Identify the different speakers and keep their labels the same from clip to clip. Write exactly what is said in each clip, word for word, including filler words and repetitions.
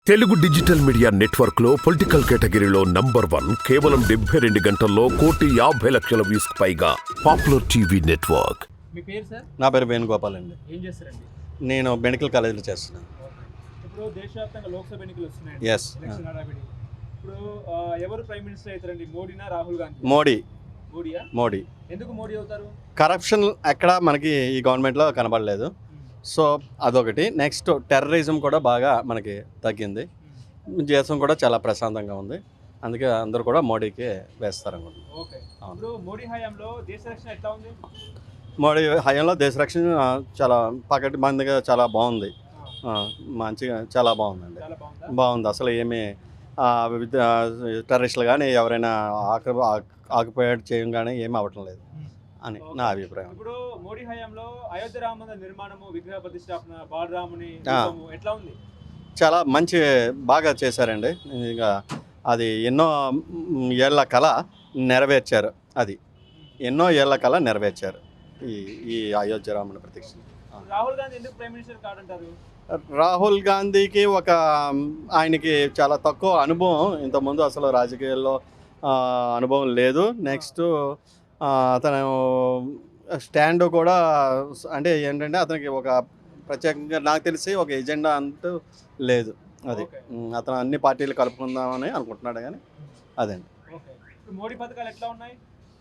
Speaker 1: Telugu digital media network లో political కేటగిరీలో number one కేవలం డెబ్బై రెండు గంటల్లో కోటి యాభై లక్షల వ్యూస్ పైగా పాపులర్ టీవీ నెట్వర్క్.
Speaker 2: మీ పేరు సార్?
Speaker 3: నా పేరు వేణుగోపాల్ అండి.
Speaker 2: ఏం చేస్తారండి?
Speaker 3: నేను మెడికల్ కాలేజీలో చేస్తున్నాను.
Speaker 2: ఇప్పుడు దేశవ్యాప్తంగా లోక్సభ ఎన్నికలు వస్తున్నాయండి.
Speaker 3: Yes.
Speaker 2: ఎలక్షన్ హడావిడి. ఇప్పుడు ఆ, ఎవరు ప్రైమ్ మినిస్టర్ అవుతారండి? మోడీనా రాహుల్ గాంధీ?
Speaker 3: మోడీ
Speaker 2: మోడీయా?
Speaker 3: మోడీ
Speaker 2: ఎందుకు మోడీ అవుతారు?
Speaker 3: కరప్షన్ ఎక్కడ మనకి ఈ గవర్నమెంట్లో కనబడలేదు. సో అదొకటి. నెక్స్ట్ టెర్రరిజం కూడా బాగా మనకి తగ్గింది. దేశం కూడా చాలా ప్రశాంతంగా ఉంది. అందుకే అందరూ కూడా మోడీకి వేస్తారనుకుంటున్నాను.
Speaker 2: ఓకే. ఇప్పుడు మోడీ హయాంలో దేశ రక్షణ ఎట్లా ఉంది?
Speaker 3: మోడీ హయాంలో దేశ రక్షణ ఆ, చాలా పకటి మందిగా చాలా బాగుంది. ఆ, మంచిగా చాలా బాగుందండి.
Speaker 2: చాలా బాగుందా?
Speaker 3: బాగుంది. అసలు ఏమీ టెర్రరిస్టులు కానీ ఎవరైనా ఆకు ఆక్యుపైడ్ చేయం కానీ ఏమీ అవ్వటం లేదు అని నా అభిప్రాయం.
Speaker 2: ఇప్పుడు మోడీ హయాంలో అయోధ్య రామ మందిర నిర్మాణము, విగ్రహ ప్రతిష్టాపన, బాలరాముని
Speaker 3: ఆ.
Speaker 2: రూపము ఎట్లా ఉంది?
Speaker 3: చాలా మంచి బాగా చేశారండి. ఇంకా అది ఎన్నో ఏళ్ల కళ నెరవేర్చారు. అది ఎన్నో ఏళ్ల కళ నెరవేర్చారు ఈ ఈ అయోధ్య రాముని ప్రతిష్ఠ.
Speaker 2: రాహుల్ గాంధీ ఎందుకు ప్రైమ్ మినిస్టర్ కాదంటారు?
Speaker 3: రాహుల్ గాంధీకి ఒక ఆయనకి చాలా తక్కువ అనుభవం, ఇంతకుముందు అసలు రాజకీయాల్లో ఆ, అనుభవం లేదు. నెక్స్ట్ అతను స్టాండ్ కూడా అంటే ఏంటంటే అతనికి ఒక ప్రత్యేకంగా నాకు తెలిసి ఒక ఎజెండా అంటూ లేదు. అది
Speaker 2: ఓకే.
Speaker 3: ఉమ్, అతను అన్ని పార్టీలు కలుపుకుందామని అనుకుంటున్నాడు కానీ అదండి.
Speaker 2: ఓకే. ఇప్పుడు మోడీ పథకాలు ఎట్లా ఉన్నాయి?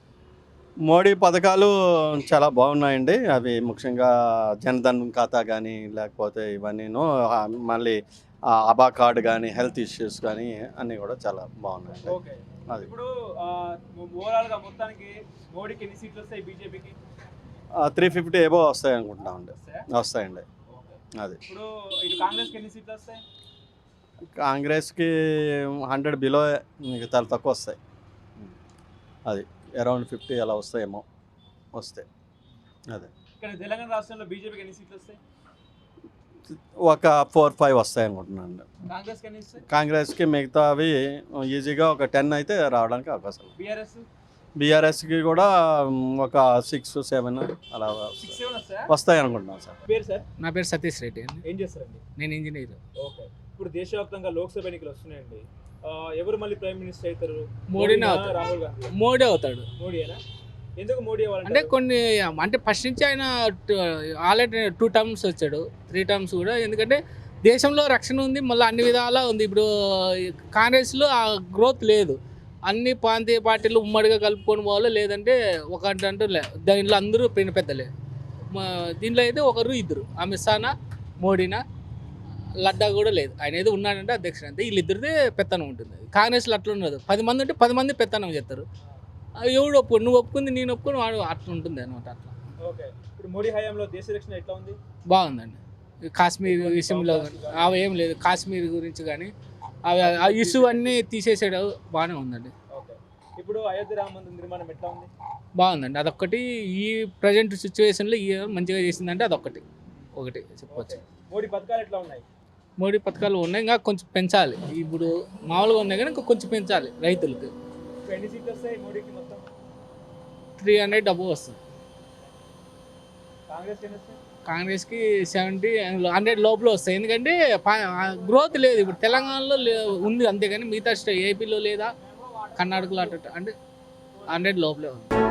Speaker 3: మోడీ పథకాలు చాలా బాగున్నాయండి. అవి ముఖ్యంగా జన్ధన్ ఖాతా కానీ లేకపోతే ఇవన్నీను ఆ, మళ్ళీ ఆ, అబా కార్డు కానీ హెల్త్ ఇష్యూస్ కానీ అన్నీ కూడా చాలా బాగున్నాయండి.
Speaker 2: ఓకే.
Speaker 3: అది
Speaker 2: ఇప్పుడు ఓవరాల్ గా మొత్తానికి మోడీకి ఎన్ని సీట్లు వస్తాయి? బీజేపీకి
Speaker 3: త్రీ ఫిఫ్టీ ఏబో వస్తాయి అనుకుంటున్నామండి.
Speaker 2: వస్తాయా?
Speaker 3: వస్తాయండి.
Speaker 2: ఓకే.
Speaker 3: అది
Speaker 2: ఇప్పుడు ఇటు కాంగ్రెస్కి ఎన్ని సీట్లు వస్తాయి?
Speaker 3: కాంగ్రెస్కి హండ్రెడ్ బిలో చాలా తక్కువ వస్తాయి. అది అరౌండ్ ఫిఫ్టీ అలా వస్తాయేమో వస్తాయి. అదే
Speaker 2: ఇక్కడ తెలంగాణ రాష్ట్రంలో బీజేపీకి ఎన్ని సీట్లు వస్తాయి?
Speaker 3: ఒక ఫోర్ ఫైవ్ వస్తాయి అనుకుంటున్నాను.
Speaker 2: కాంగ్రెస్కి ఎన్ని వస్తాయి?
Speaker 3: కాంగ్రెస్కి మిగతావి ఈజీగా ఒక టెన్ అయితే రావడానికి అవకాశం ఉంది.
Speaker 2: బీఆర్ఎస్
Speaker 3: బీఆర్ఎస్కి కూడా ఒక సిక్స్ సెవెన్ అలా
Speaker 2: సిక్స్ సెవెన్ వస్తాయా?
Speaker 3: వస్తాయి అనుకుంటున్నాను సార్.
Speaker 2: పేరు సార్?
Speaker 4: నా పేరు సతీష్ రెడ్డి అండి.
Speaker 2: ఏం చేస్తారండి?
Speaker 4: నేను ఇంజనీర్.
Speaker 2: ఓకే. ఇప్పుడు దేశవ్యాప్తంగా లోక్సభ ఎన్నికలు వస్తున్నాయండి. ఆ, ఎవరు మళ్ళీ ప్రైమ్ మినిస్టర్ అవుతారు?
Speaker 4: మోడీనే
Speaker 2: మోడీనా,
Speaker 4: అవుతాడు.
Speaker 2: రాహుల్ గాంధీ?
Speaker 4: మోడీ అవుతాడు.
Speaker 2: మోడీయేనా? ఎందుకు మోడీ
Speaker 4: అంటే
Speaker 2: అవ్వాలంటే
Speaker 4: కొన్ని అంటే ఫస్ట్ నుంచి ఆయన ఆల్రెడీ టూ టర్మ్స్ వచ్చాడు, త్రీ టర్మ్స్ కూడా. ఎందుకంటే దేశంలో రక్షణ ఉంది, మళ్ళీ అన్ని విధాలా ఉంది. ఇప్పుడు కాంగ్రెస్లో ఆ గ్రోత్ లేదు. అన్ని ప్రాంతీయ పార్టీలు ఉమ్మడిగా కలుపుకొని పోవాలి, లేదంటే ఒక అంటూ లే దాంట్లో అందరూ పెద్ద పెద్దలే. మా దీంట్లో అయితే ఒకరు ఇద్దరు, అమిత్ షానా మోడీనా, లడ్డా కూడా లేదు. ఆయన ఏదో ఉన్నాడంటే అధ్యక్షుడు అంతే. వీళ్ళిద్దరిదే పెత్తనం ఉంటుంది. కాంగ్రెస్లో అట్లా ఉండదు. పది మంది ఉంటే పది మంది పెత్తనం చేస్తారు. ఎవడు ఒప్పు నువ్వు ఒప్పుకుంది నేను ఒప్పుకొని వాడు అట్లా ఉంటుంది అనమాట. అట్లా
Speaker 2: ఓకే. ఇప్పుడు మోడీ హయాంలో దేశ రక్షణ ఎట్లా ఉంది?
Speaker 4: బాగుందండి. కాశ్మీర్ విషయంలో అవి ఏం లేదు. కాశ్మీర్ గురించి కానీ అవి ఆ ఇష్యూ అన్నీ తీసేసాడు. బాగానే ఉందండి.
Speaker 2: ఓకే. ఇప్పుడు అయోధ్య రామ మందిర నిర్మాణం ఎట్లా ఉంది?
Speaker 4: బాగుందండి. అదొక్కటి ఈ ప్రజెంట్ సిచ్యువేషన్లో ఈ మంచిగా చేసిందంటే అదొక్కటి ఒకటి చెప్పవచ్చు.
Speaker 2: మోడీ పథకాలు ఎట్లా ఉన్నాయి?
Speaker 4: మోడీ పథకాలు ఉన్నాయి, ఇంకా కొంచెం పెంచాలి. ఇప్పుడు మామూలుగా ఉన్నాయి కానీ ఇంకా కొంచెం పెంచాలి రైతులకు.
Speaker 2: ఇప్పుడు ఎన్ని సీట్లు వస్తాయి మోడీకి మొత్తం?
Speaker 4: త్రీ హండ్రెడ్ డబ్బు వస్తుంది.
Speaker 2: కాంగ్రెస్ ఎన్ని వస్తాయి?
Speaker 4: కాంగ్రెస్కి సెవెంటీ హండ్రెడ్ లోపల వస్తాయి. ఎందుకంటే గ్రోత్ లేదు. ఇప్పుడు తెలంగాణలో ఉంది అంతేగాని మిగతా స్టే ఏపీలో లేదా కర్ణాటకలో అట్ట అంటే హండ్రెడ్ లోపలే ఉంది.